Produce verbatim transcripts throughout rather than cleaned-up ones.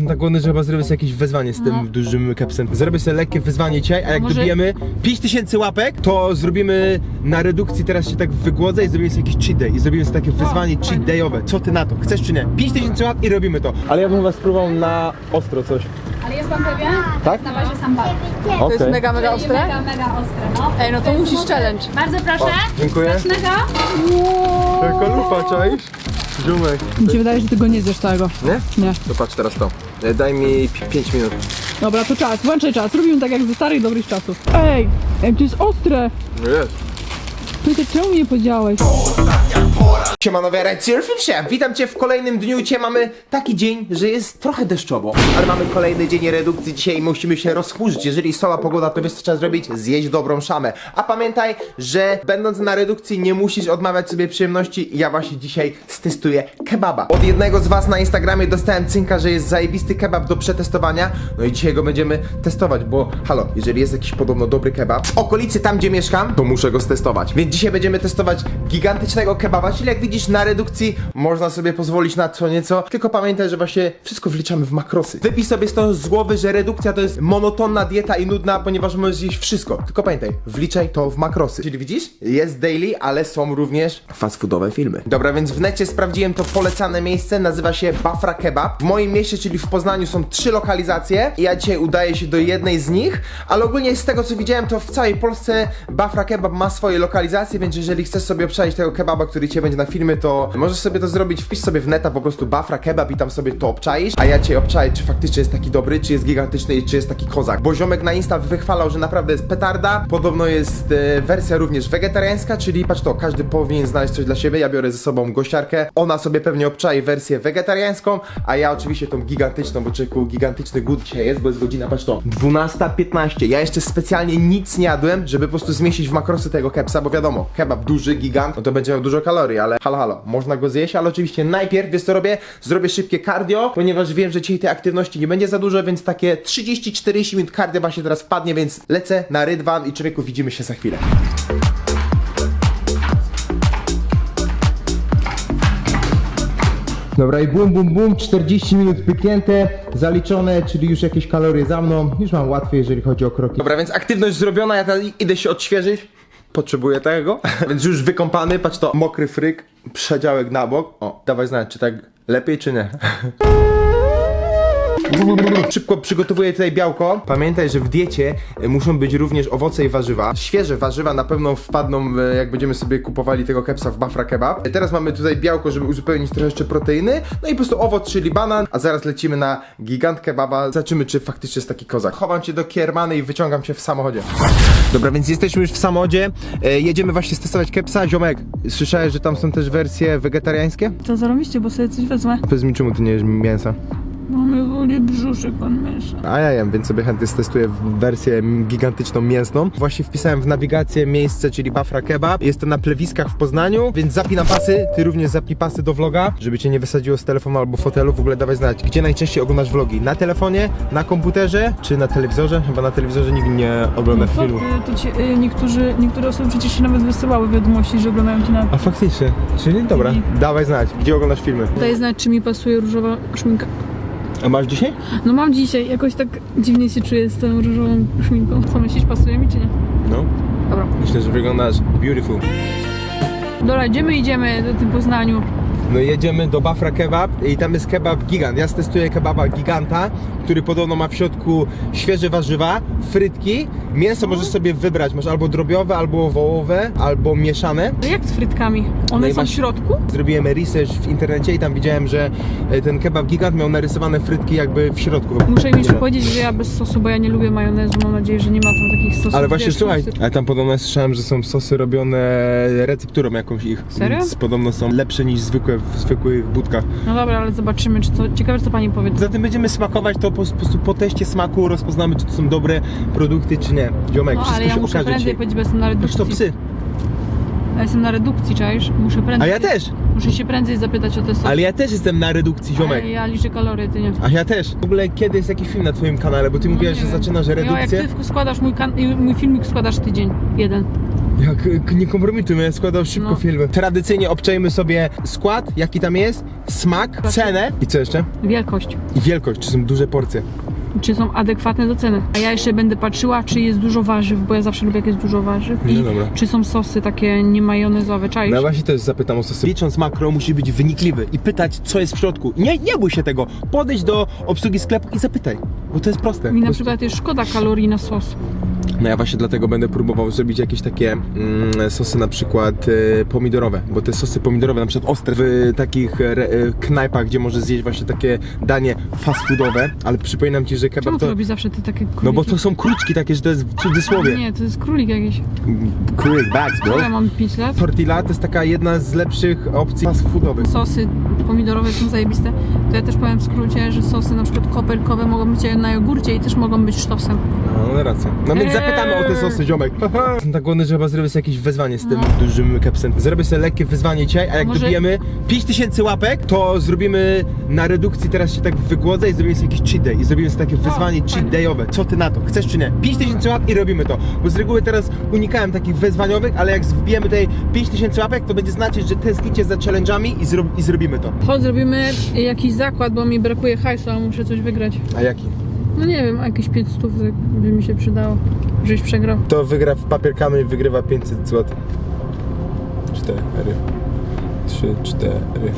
jestem tak głodny, że chyba zrobię sobie jakieś wyzwanie z tym No. dużym kepsem. Zrobię sobie lekkie wyzwanie dzisiaj, a jak Może- dobijemy pięć tysięcy łapek, to zrobimy na redukcji, teraz się tak wygłodzę i zrobimy sobie jakiś cheat day. I zrobimy sobie takie wyzwanie cheat fajnie. dayowe. Co ty na to? Chcesz czy nie? pięć tysięcy łap i robimy to. Ale ja bym chyba spróbował na ostro coś. Ale jest pan pewien? Tak? Na bazie sambaru. To jest mega, mega Czyli ostre? Mega, mega ostre, no. Ej, no to musisz challenge. Bardzo proszę. O, dziękuję. Smacznego. Taka lufa, czaisz? Ziomek. Mi się wydaje, że ty go nie zjesz całego. Nie? Nie. To patrz teraz to. E, Daj mi pięć minut. Dobra, to czas, włączaj czas. Robimy tak jak ze starych, dobrych czasów. Ej, ej, to jest ostre. No jest. Ty czemu mi nie powiedziałeś? Siemanowie, Red Surfing Chef, witam cię w kolejnym dniu. Dzisiaj mamy taki dzień, że jest trochę deszczowo, ale mamy kolejny dzień redukcji dzisiaj i musimy się rozchmurzyć. Jeżeli sola pogoda, to wiesz co trzeba zrobić? Zjeść dobrą szamę. A pamiętaj, że będąc na redukcji nie musisz odmawiać sobie przyjemności. Ja właśnie dzisiaj stestuję kebaba. Od jednego z was na Instagramie dostałem cynka, że jest zajebisty kebab do przetestowania. No i dzisiaj go będziemy testować, bo halo, jeżeli jest jakiś podobno dobry kebab w okolicy tam, gdzie mieszkam, to muszę go stestować. Więc dzisiaj będziemy testować gigantycznego kebaba, czyli jak widzisz na redukcji można sobie pozwolić na co nieco, tylko pamiętaj, że właśnie wszystko wliczamy w makrosy. Wypij sobie z toho z głowy, że redukcja to jest monotonna dieta i nudna, ponieważ możesz zjeść wszystko. Tylko pamiętaj, wliczaj to w makrosy. Czyli widzisz? Jest daily, ale są również fast foodowe filmy. Dobra, więc w necie sprawdziłem to polecane miejsce, nazywa się Bafra Kebab. W moim mieście, czyli w Poznaniu są trzy lokalizacje i ja dzisiaj udaję się do jednej z nich, ale ogólnie z tego co widziałem, to w całej Polsce Bafra Kebab ma swoje lokalizacje, więc jeżeli chcesz sobie obczaić tego kebaba, który cię będzie na filmie, to możesz sobie to zrobić, wpisz sobie w neta po prostu Bafra Kebab i tam sobie to obczaisz, a ja cię obczaję, czy faktycznie jest taki dobry, czy jest gigantyczny i czy jest taki kozak. Bo ziomek na Insta wychwalał, że naprawdę jest petarda. Podobno jest e, wersja również wegetariańska, czyli patrz to, każdy powinien znaleźć coś dla siebie. Ja biorę ze sobą gościarkę, ona sobie pewnie obczai wersję wegetariańską, a ja oczywiście tą gigantyczną, bo czeku, gigantyczny głód dzisiaj jest, bo jest godzina, patrz to, dwunasta piętnaście. Ja jeszcze specjalnie nic nie jadłem, żeby po prostu zmieścić w makrosy tego kepsa, bo wiadomo, kebab duży, gigant, no to będzie miał dużo kalorii, ale halo, halo, można go zjeść, ale oczywiście najpierw, wiesz co robię? Zrobię szybkie cardio, ponieważ wiem, że dzisiaj tej aktywności nie będzie za dużo, więc takie trzydzieści czterdzieści minut cardio właśnie teraz wpadnie, więc lecę na rydwan i człowieku, widzimy się za chwilę. Dobra i bum bum bum, czterdzieści minut pyknięte, zaliczone, czyli już jakieś kalorie za mną, już mam łatwiej, jeżeli chodzi o kroki. Dobra, więc aktywność zrobiona, ja teraz idę się odświeżyć, potrzebuję tego, więc już wykąpany, patrz to, mokry fryk, przedziałek na bok, o, dawaj znać, czy tak lepiej, czy nie. Szybko przygotowuję tutaj białko. Pamiętaj, że w diecie muszą być również owoce i warzywa. Świeże warzywa na pewno wpadną, jak będziemy sobie kupowali tego kepsa w Bafra Kebab. Teraz mamy tutaj białko, żeby uzupełnić trochę jeszcze proteiny. No i po prostu owoc, czyli banan. A zaraz lecimy na gigant kebaba. Zobaczymy, czy faktycznie jest taki kozak. Chowam cię do kiermany i wyciągam cię w samochodzie. Dobra, więc jesteśmy już w samochodzie. E, jedziemy właśnie testować kepsa. Ziomek, słyszałeś, że tam są też wersje wegetariańskie? To zarobiście, bo sobie coś wezmę. Powiedz mi, czemu ty nie jesz mięsa? Mamy woli brzuszek, pan miesza. A ja jem, więc sobie chętnie testuję wersję gigantyczną mięsną. Właśnie wpisałem w nawigację miejsce, czyli Bafra Kebab. Jest to na plewiskach w Poznaniu, więc zapinam pasy. Ty również zapnij pasy do vloga, żeby cię nie wysadziło z telefonu albo fotelu. W ogóle dawaj znać, gdzie najczęściej oglądasz vlogi? Na telefonie, na komputerze, czy na telewizorze? Chyba na telewizorze nikt nie ogląda Co filmów. ty, to ci, y, niektórzy, niektóre osoby przecież się nawet wysyłały wiadomości, że oglądają cię na... A faktycznie, czyli dobra, I- dawaj znać, gdzie oglądasz filmy. Daj znać, czy mi pasuje różowa szminka. A masz dzisiaj? No mam dzisiaj, jakoś tak dziwnie się czuję z tą różową szminką. Co myślisz, pasuje mi czy nie? No. Dobra. Myślę, że wyglądasz beautiful. Dobra, gdzie my idziemy do tym Poznaniu? No jedziemy do Bafra Kebab i tam jest kebab gigant. Ja testuję kebaba giganta, który podobno ma w środku świeże warzywa, frytki, mięso możesz sobie wybrać. Masz albo drobiowe, albo wołowe, albo mieszane. No jak z frytkami? One No i są masz- w środku? Zrobiłem research w internecie i tam widziałem, że e, ten kebab gigant miał narysowane frytki jakby w środku. Muszę im jeszcze powiedzieć, że ja bez sosu, bo ja nie lubię majonezu. Mam nadzieję, że nie ma tam takich sosów. Ale właśnie wiesz, słuchaj, sosy. ale tam podobno słyszałem, że są sosy robione recepturą jakąś ich. Serio? Więc podobno są lepsze niż zwykłe w zwykłych budkach. No dobra, ale zobaczymy, czy to... Ciekawe, co pani powie. Zatem będziemy smakować to po, po prostu po teście smaku, rozpoznamy, czy to są dobre produkty, czy nie. Ziomek, No, wszystko ale ja się muszę okaże prędzej dzisiaj. powiedzieć, bo jestem na Patrz redukcji. to psy. Ja jestem na redukcji, czaisz? Muszę A prędzej... ja też. Muszę się prędzej zapytać o te sosy. Ale ja też jestem na redukcji, ziomek. Ale ja liczę kalorie, ty nie. A ja też. W ogóle kiedy jest jakiś film na twoim kanale, bo ty No mówiłaś, nie że wiem. zaczynasz No, jak redukcję. ty składasz mój, kan- mój filmik, składasz tydzień. Jeden. Jak k- nie kompromitujmy, ja składam szybko No. filmy. Tradycyjnie obczajmy sobie skład, jaki tam jest, smak, cenę i co jeszcze? Wielkość. I wielkość, czy są duże porcje. Czy są adekwatne do ceny. A ja jeszcze będę patrzyła, czy jest dużo warzyw, bo ja zawsze lubię, jak jest dużo warzyw. I No dobra. czy są sosy takie nie majonezowe, czaisz? No właśnie też zapytam o sosy. Licząc makro musi być wynikliwy i pytać, co jest w środku. Nie, nie bój się tego. Podejdź do obsługi sklepu i zapytaj, bo to jest proste. Mi na Po przykład jest szkoda kalorii na sos. No ja właśnie dlatego będę próbował zrobić jakieś takie mm, sosy na przykład e, pomidorowe, bo te sosy pomidorowe na przykład ostre w takich e, e, knajpach, gdzie możesz zjeść właśnie takie danie fast foodowe, ale przypominam ci, że kebab Czemu to... to robi zawsze te takie króliki? No bo to są kruczki takie, że to jest w cudzysłowie. Nie, to jest królik jakiś. Królik bags, bro. Co ja mam pięć lat? Tortilla to jest taka jedna z lepszych opcji fast foodowych. Sosy pomidorowe są zajebiste. To ja też powiem w skrócie, że sosy na przykład koperkowe mogą być na jogurcie i też mogą być sztosem. No, no racja. No więc Eee. zapytamy o te sosy, ziomek. Jestem tak głodny, że chyba zrobię sobie jakieś wyzwanie z tym dużym kepsem. Zrobię sobie lekkie wyzwanie dzisiaj, a jak Może- dobijemy pięć tysięcy łapek, to zrobimy na redukcji, teraz się tak wygłodzę i zrobimy sobie jakiś cheat day. I zrobimy sobie takie wyzwanie cheat fajnie. dayowe. Co ty na to? Chcesz czy nie? pięć tysięcy łap i robimy to. Bo z reguły teraz unikałem takich wyzwaniowych, ale jak wbijemy tutaj pięć tysięcy łapek, to będzie znaczyć, że tęsknicie za challenge'ami i, zro i zrobimy to. Chodź, zrobimy jakiś zakład, bo mi brakuje hajsu, a muszę coś wygrać. A jaki? No nie wiem, jakieś pięć stów by mi się przydało, żebyś przegrał. To wygra w papier kamień, wygrywa pięćset złotych. cztery, trzy, cztery.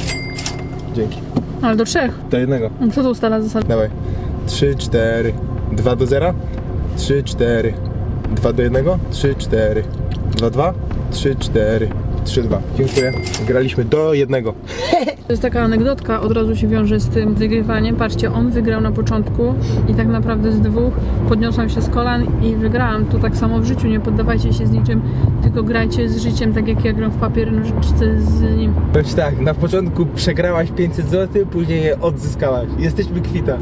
Dzięki. Ale do trzech. Do jednego. No co to ustala zasada? Dawaj. trzy, cztery. dwa do zera. trzy, cztery. dwa do jednego. trzy, cztery. dwa, dwa. trzy, cztery. trzy, dwa. Dziękuję. Graliśmy do jednego. To jest taka anegdotka, od razu się wiąże z tym wygrywaniem. Patrzcie, on wygrał na początku i tak naprawdę z dwóch podniosłam się z kolan i wygrałam. To tak samo w życiu, nie poddawajcie się z niczym, tylko grajcie z życiem, tak jak ja gram w papier nożyczce z nim. Choć tak, na początku przegrałaś pięćset złotych, później je odzyskałaś. Jesteśmy kwita.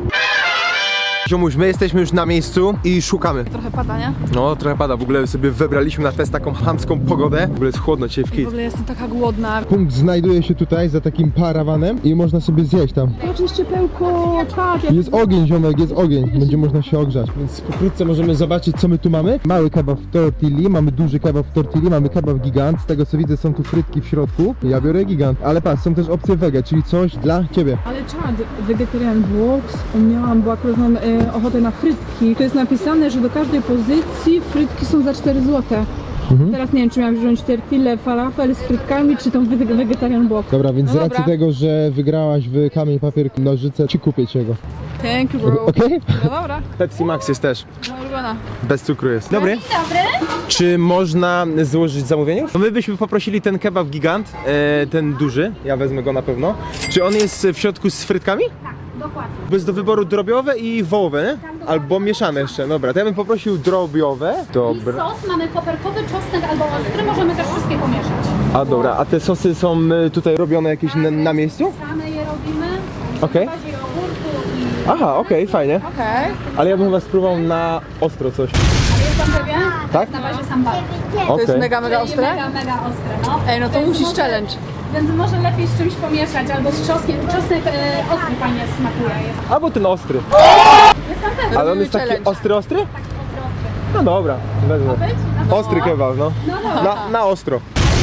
Ziomuś, my jesteśmy już na miejscu i szukamy. Trochę pada, nie? No, trochę pada. W ogóle sobie wybraliśmy na test taką chamską pogodę. W ogóle jest chłodno dzisiaj w W kit. ogóle jestem taka głodna. Punkt znajduje się tutaj za takim parawanem i można sobie zjeść tam. Patrz, jest ciepełko, tak. Jak... Jest ogień, ziomek, jest ogień. Będzie można się ogrzać. Więc pokrótce możemy zobaczyć, co my tu mamy. Mały kebab w tortilli, mamy duży kebab w tortilli, mamy kebab gigant. Z tego co widzę, są tu frytki w środku. Ja biorę gigant. Ale patrz, są też opcje wege, czyli coś dla ciebie. Ale czad, vegetarian box, miałam, bo akurat mam e, ochotę na frytki. To jest napisane, że do każdej pozycji frytki są za cztery złote. Mhm. Teraz nie wiem, czy miałam wziąć tortillę, falafel z frytkami, czy tą wege- vegetarian box. Dobra, więc No z racji dobra. tego, że wygrałaś w kamień, papier, nożyce, ci kupię ci go. Thank you, bro. Okej? No dobra, Pepsi Max jest też. moja ulubiona. Bez cukru jest. Dobry. Dobry. Czy można złożyć zamówienie? No my byśmy poprosili ten kebab gigant, e, ten duży, ja wezmę go na pewno. Czy on jest w środku z frytkami? Tak, dokładnie. Bo jest do wyboru drobiowe i wołowe, nie? Albo mieszane jeszcze, dobra. To ja bym poprosił drobiowe. I Dobra. sos mamy koperkowy, czosnek albo ostry, możemy też wszystkie pomieszać. A dobra, a te sosy są y, tutaj robione jakieś na, na miejscu? Same je robimy. Okej. W bazie jogurtu i... Aha, okej, fajnie. Okej. Ale ja bym chyba spróbował na ostro coś. Ale jest pan pewien? Tak? Na bazie sambaru. To jest Okej. mega, mega ostre? Mega, mega ostre, no. Ej, no to Więc musisz może- challenge. Więc może lepiej z czymś pomieszać, albo z czosnkiem. Czosnek e, ostry fajnie smakuje. Jest, Albo ten ostry. jest pan pewien? Ale on jest taki challenge. ostry, ostry? Tak, ostry, ostry. No dobra, wezmę. Być? No, Ostry kebab, no. no, no. Na, na ostro.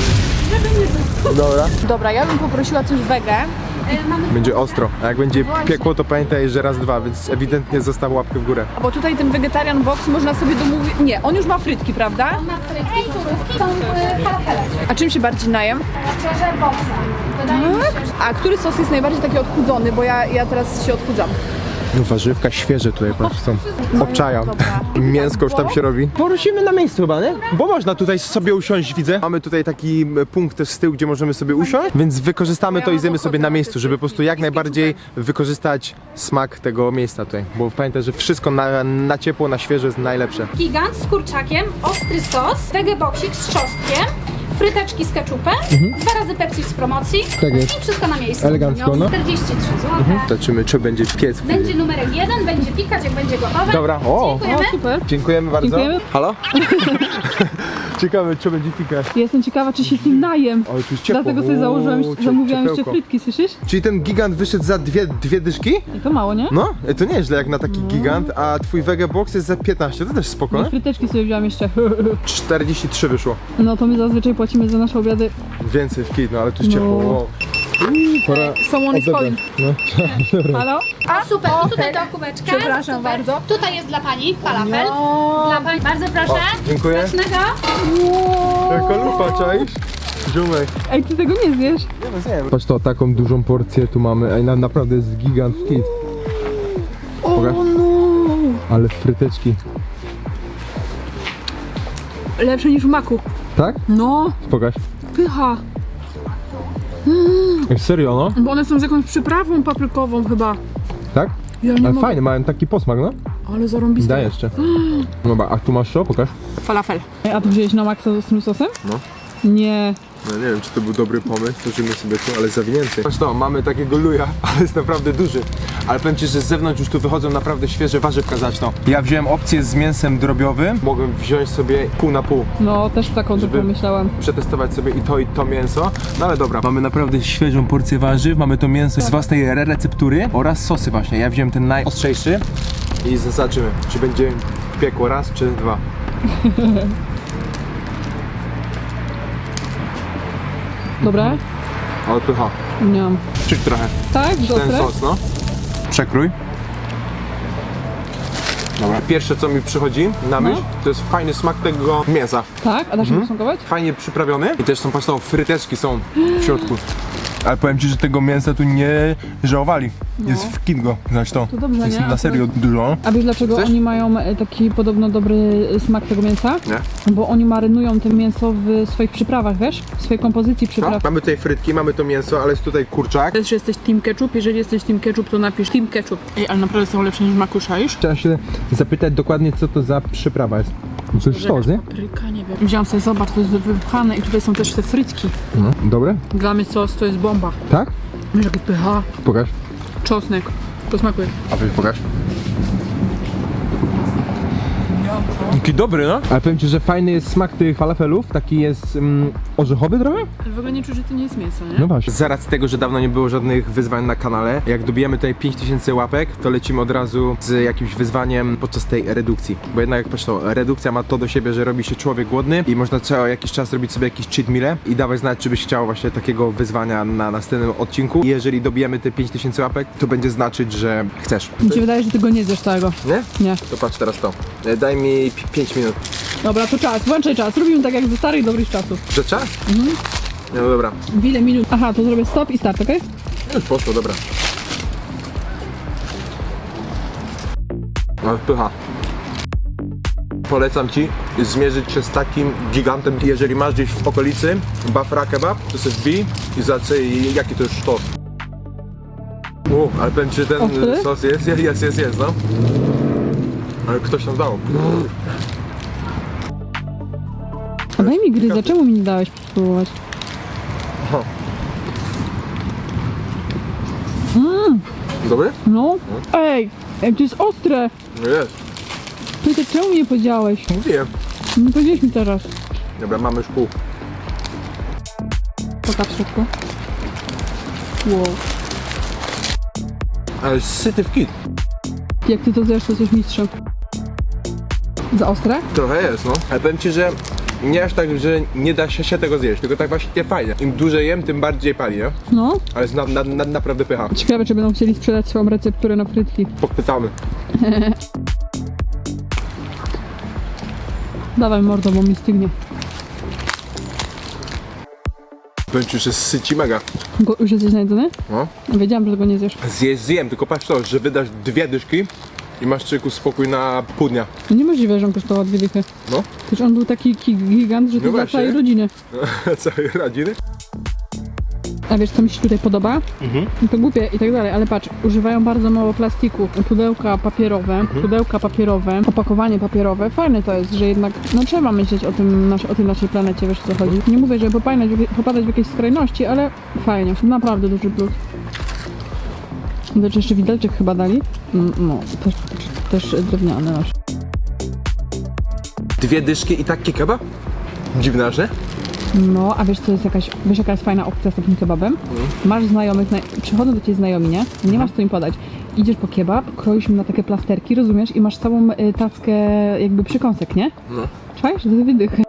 Dobra. Dobra, ja bym poprosiła coś wege. E, mamy Będzie ostro. A jak będzie piekło, to pamiętaj, że raz, dwa, więc ewidentnie zostaw łapkę w górę. Bo tutaj ten vegetarian box można sobie domówić... Nie, on już ma frytki, prawda? On ma frytki, surówki, są e, falafele. A czym się bardziej najem? Szczerze, boksem. Wydaje mi się, że... A który sos jest najbardziej taki odchudzony? Bo ja, ja teraz się odchudzam. No warzywka świeże tutaj, patrz, są. Obczajam. Dobra. Mięsko już tam się robi. Porusimy na miejscu chyba, nie? Bo można tutaj sobie usiąść, widzę. Mamy tutaj taki m, punkt też z tyłu, gdzie możemy sobie usiąść, więc wykorzystamy to i zjemy sobie na miejscu, żeby po prostu jak najbardziej wykorzystać smak tego miejsca tutaj. Bo pamiętaj, że wszystko na, na ciepło, na świeże jest najlepsze. Gigant z kurczakiem, ostry sos, wegeboksik z czosnkiem, fryteczki z keczupem, dwa razy Pepsi z promocji Tak jest. i wszystko na miejscu. Elegancko, no. czterdzieści trzy złote. Zobaczymy, czy będzie piec. Będzie numerek jeden, będzie pikać jak będzie gotowe. Dobra, o! Dziękujemy. O, super. Dziękujemy bardzo. Dziękujemy. Halo? Ciekawe, czy będzie pikać. Jestem ciekawa, czy się tym najem. Ale tu jest ciepło. Dlatego sobie założyłam, Uuu, cie- zamówiłam jeszcze ciepełko. frytki, słyszysz? Czyli ten gigant wyszedł za dwie, dwie dyszki? I to mało, nie? No, e, to nieźle jak na taki gigant, a twój Vega Box jest za piętnaście, to też spoko, I nie? fryteczki sobie wziąłam jeszcze. czterdzieści trzy wyszło. No to my zazwyczaj płacimy za nasze obiady. Więcej w kit, no ale tu jest No. ciepło. Wow. Pora Someone is calling. No. Halo? A super, i tutaj do kubeczka. Przepraszam Super. bardzo. Tutaj jest dla pani falafel. No. Dla pani, bardzo proszę. O, dziękuję. Smacznego. Jaka lufa, czaisz? Ziomek. Ej, ty tego nie zjesz? Nie no, zjem. Patrz to, taką dużą porcję tu mamy. Ej, na, naprawdę jest gigant w kit. Pokaż. O no! Ale fryteczki. Lepsze niż w maku. Tak? No, Pokaż. pycha. Ej, serio, no? Bo one są z jakąś przyprawą paprykową chyba. Tak? Ja nie Ale mogę. fajnie, mają taki posmak, no? Ale zarąbiste. Daj jeszcze. Dobra, a tu masz co? Pokaż. Falafel. Ej, a to wziąłeś na maksa z tym sosem? No. Nie. No nie wiem, czy to był dobry pomysł, tworzymy sobie tu, ale zawinięty. Patrz to, mamy takiego luja, ale jest naprawdę duży. Ale powiem ci, że z zewnątrz już tu wychodzą naprawdę świeże warzywka zaczną. Ja wziąłem opcję z mięsem drobiowym. Mogłem wziąć sobie pół na pół. No, też taką Żeby- tylko myślałam. Przetestować sobie i to, i to mięso. No ale dobra, mamy naprawdę świeżą porcję warzyw, mamy to mięso z własnej re- receptury oraz sosy właśnie. Ja wziąłem ten najostrzejszy i zobaczymy, czy będzie piekło raz, czy dwa. Dobre? Ale pycha. Nie mam. Czyk trochę. Tak? Ten Dobre? sos, no. Przekrój. Dobra. Pierwsze co mi przychodzi na myśl, to jest fajny smak tego mięsa. Tak? A da się posmakować? Fajnie przyprawiony i też są patrz, no, fryteczki są w środku. Ale powiem ci, że tego mięsa tu nie żałowali. Jest w kingo, znaczy to. To dobrze, jest nie? na serio dużo. A wiesz dlaczego Chcesz? oni mają e, taki podobno dobry smak tego mięsa? Nie? Bo oni marynują to mięso w swoich przyprawach, wiesz? W swojej kompozycji No, przypraw. mamy tutaj frytki, mamy to mięso, ale jest tutaj kurczak. Też jesteś team ketchup, jeżeli jesteś team ketchup, to napisz team ketchup. Ej, ale naprawdę są lepsze niż makusza już? Trzeba się zapytać dokładnie, co to za przyprawa jest. To jest sztos, nie? Papryka, nie wiem. Wziąłam sobie, zobacz, to jest wypchane i tutaj są też te frytki. No, dobre? Dla mnie sos to jest bomba. Tak? Wiesz, jaki pycha, Pokaż. czosnek. Posmakuje. A weź pokaż. Taki dobry, no? Ale powiem ci, że fajny jest smak tych falafelów, taki jest mm, orzechowy trochę? Ale w ogóle nie czuć, że to nie jest mięso, nie? No właśnie. Z racji tego, że dawno nie było żadnych wyzwań na kanale, jak dobijemy tutaj pięć tysięcy łapek, to lecimy od razu z jakimś wyzwaniem podczas tej redukcji. Bo jednak, patrz to, redukcja ma to do siebie, że robi się człowiek głodny i można co jakiś czas robić sobie jakieś cheat meale i dawać znać, czy byś chciał właśnie takiego wyzwania na następnym odcinku. I jeżeli dobijemy te pięć tysięcy łapek, to będzie znaczyć, że chcesz. Mi się wydaje, że ty go nie zjesz całego. Nie? Nie. To patrz teraz to. E, Daj mi pięć minut. Dobra, to czas, włączaj czas. Robimy tak jak ze starych, dobrych czasów. Że czas? Mhm. No dobra. W ile minut? Aha, to zrobię stop i start, okej? Już poszło, dobra. Ale pycha. Polecam ci zmierzyć się z takim gigantem, jeżeli masz gdzieś w okolicy Bafra Kebab, to sobie wbij i zobaczyj jaki to jest sztos. U, ale powiem ci, że ten Ostry? sos jest, jest, jest, jest, jest, no. Ale ktoś nam dał. A daj mi gryzę, czemu mi nie dałeś spróbować? Aha. Dobry? No? Ej, ej, to jest ostre! No jest. Ty to czemu mi nie powiedziałeś? Mówiłem. Nie powiedziałeś mi teraz. Dobra, mamy już pół. Pokaż w środku. Wow. Ale syty w kit. Jak ty to zjesz, to jesteś mistrzem. Za ostre? Trochę jest, no. Ale powiem ci, że nie aż tak, że nie da się, się tego zjeść, tylko tak właśnie fajnie. Im dłużej jem, tym bardziej pali, nie? No. Ale jest na, na, na, naprawdę pycha. Ciekawe, czy będą chcieli sprzedać swoją recepturę na frytki. Popytamy. Dawaj mordo, bo mi stygnie. Powiem ci, że syci mega. Go, już jesteś najedzony? No. Wiedziałam, że tego nie zjesz. Zjeść zjem, tylko patrz to, że wydasz dwie dyszki i masz czyku spokój na pół dnia. No niemożliwe, że on kosztował dwie dychy. No. Przecież on był taki ki- gigant, że to No dla właśnie. całej rodziny. Całej rodziny. A wiesz, co mi się tutaj podoba? Mhm. To głupie i tak dalej, ale patrz, używają bardzo mało plastiku. Pudełka papierowe, Mhm. pudełka papierowe, opakowanie papierowe. Fajne to jest, że jednak, no trzeba myśleć o tym, nasz, o tej naszej planecie, wiesz o co chodzi. Nie mówię, żeby popadać, popadać w jakieś skrajności, ale fajnie, naprawdę duży plus. Zobacz, jeszcze widelczyk chyba dali. Mm, No, też, też drewniany nasz. Dwie dyszki i taki kebab? Dziwne, że? No, a wiesz co jest jakaś, wiesz jaka jest fajna opcja z takim kebabem? Masz znajomych, na, przychodzą do ciebie znajomi, nie? Nie masz co im podać. Idziesz po kebab, kroisz im na takie plasterki, rozumiesz? I masz całą y, tackę jakby przykąsek, nie? No. Czujesz? To dwie dychy.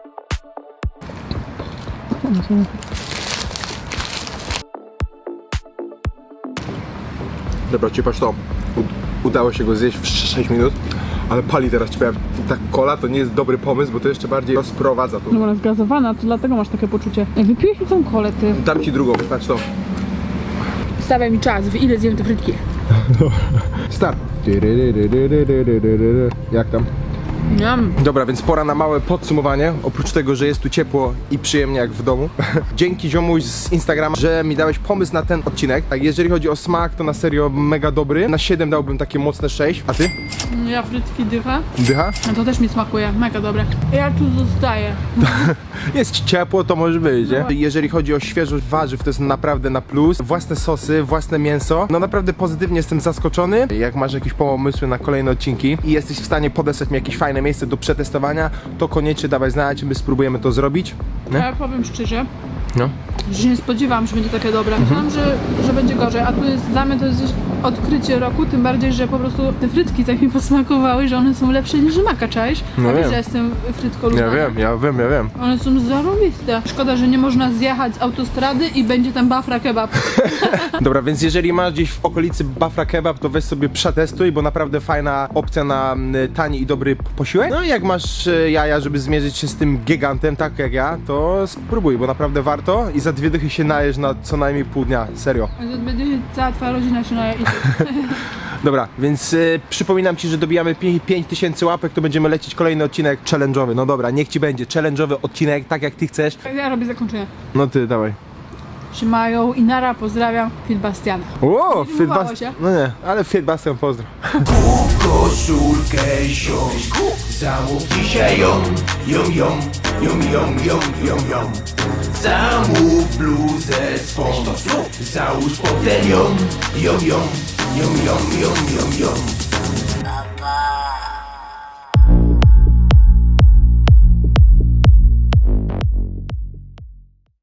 Dobra, ci patrz to. U- udało się go zjeść w sześć minut, ale pali teraz ci powiem. Ta kola to nie jest dobry pomysł, bo to jeszcze bardziej rozprowadza tu. No bo ona jest gazowana, to dlatego masz takie poczucie. Jak wypiłeś mi tą kolę, ty. Dam ci drugą, patrz to. Stawiaj mi czas, w ile zjem te frytki. Start. Jak tam? Miam. Dobra, więc pora na małe podsumowanie. Oprócz tego, że jest tu ciepło i przyjemnie jak w domu. Dzięki ziomuś z Instagrama, że mi dałeś pomysł na ten odcinek. Tak, jeżeli chodzi o smak, to na serio mega dobry. Na siedem dałbym takie mocne sześć. A ty? Ja frytki dycha. Dycha? A to też mi smakuje, mega dobre. Ja tu zostaję. Jest ciepło, to może być, nie? Jeżeli chodzi o świeżość warzyw, to jest naprawdę na plus. Własne sosy, własne mięso. No naprawdę pozytywnie jestem zaskoczony. Jak masz jakieś pomysły na kolejne odcinki i jesteś w stanie podesłać mi jakieś fajne miejsce do przetestowania, to koniecznie dawaj znać, my spróbujemy to zrobić. Nie? Ja powiem szczerze, No. że nie spodziewałam się, że będzie takie dobre. Myślałam, że, że będzie gorzej, a tu jest, dla mnie to jest odkrycie roku, tym bardziej, że po prostu te frytki tak mi posmakowały, że one są lepsze niż maka, czaisz? No A wiesz, wiem. że jestem frytkolubna. Ja wiem, ja wiem, ja wiem. One są zarobiste. Szkoda, że nie można zjechać z autostrady i będzie tam bafra kebab. Dobra, więc jeżeli masz gdzieś w okolicy Bafra Kebab, to weź sobie przetestuj, bo naprawdę fajna opcja na mm, tani i dobry posiłek. No i jak masz e, jaja, żeby zmierzyć się z tym gigantem, tak jak ja, to spróbuj, bo naprawdę warto i za dwie dychy się najesz na co najmniej pół dnia, serio. Będzie cała twoja rodzina się naje i Dobra, więc y, przypominam ci, że dobijamy pięć tysięcy łapek, to będziemy lecieć kolejny odcinek challenge'owy. No dobra, niech ci będzie challenge'owy odcinek, tak jak ty chcesz. ja robię zakończenie. No ty, dawaj. Trzymają i nara, pozdrawiam, Phil Bastiana. O, Nie Fit udało Bas... się. No nie, ale Fit Bastian pozdro. Koszulkę ziom, zamów dzisiaj ją, ją, ją, ją, ją, ją, ją, ją. Zamów bluzę swą, załóż potem ją, ją, ją, ją, ją, ją, ją, ją.